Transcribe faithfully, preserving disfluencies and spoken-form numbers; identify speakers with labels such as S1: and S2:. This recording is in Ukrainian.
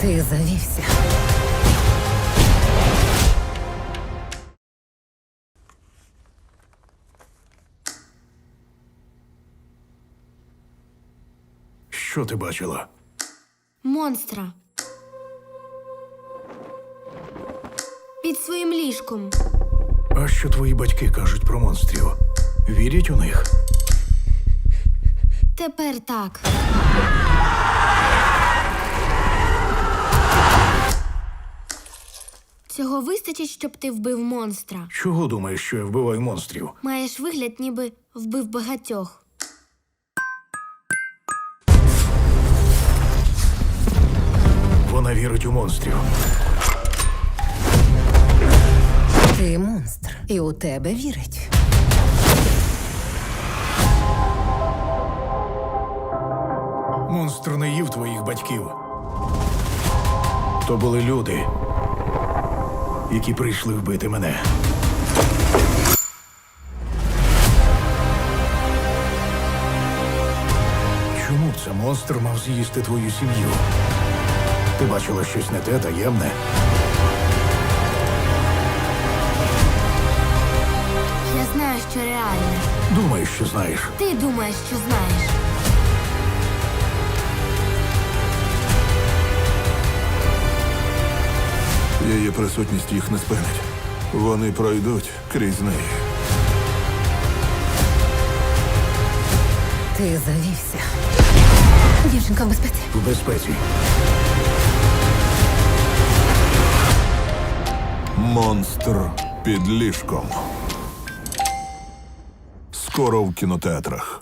S1: Ти завівся.
S2: Що ти бачила?
S3: Монстра. Під своїм ліжком.
S2: А що твої батьки кажуть про монстрів? Вірять у них?
S3: Тепер так. Цього вистачить, щоб ти вбив монстра.
S2: Чого думаєш, що я вбиваю монстрів?
S3: Маєш вигляд, ніби вбив багатьох.
S2: Вона вірить у монстрів.
S1: Ти монстр. І у тебе вірить.
S2: Монстр не їв твоїх батьків. То були люди, які прийшли вбити мене. Чому б це монстр мав з'їсти твою сім'ю? Ти бачила щось не те, таємне?
S3: Я знаю, що реальне.
S2: Думаєш, що знаєш.
S3: Ти думаєш, що знаєш.
S4: Її присутність їх не спинить. Вони пройдуть крізь неї.
S1: Ти завівся. Дівчинка в безпеці.
S2: В безпеці.
S4: Монстр під ліжком. Скоро в кінотеатрах.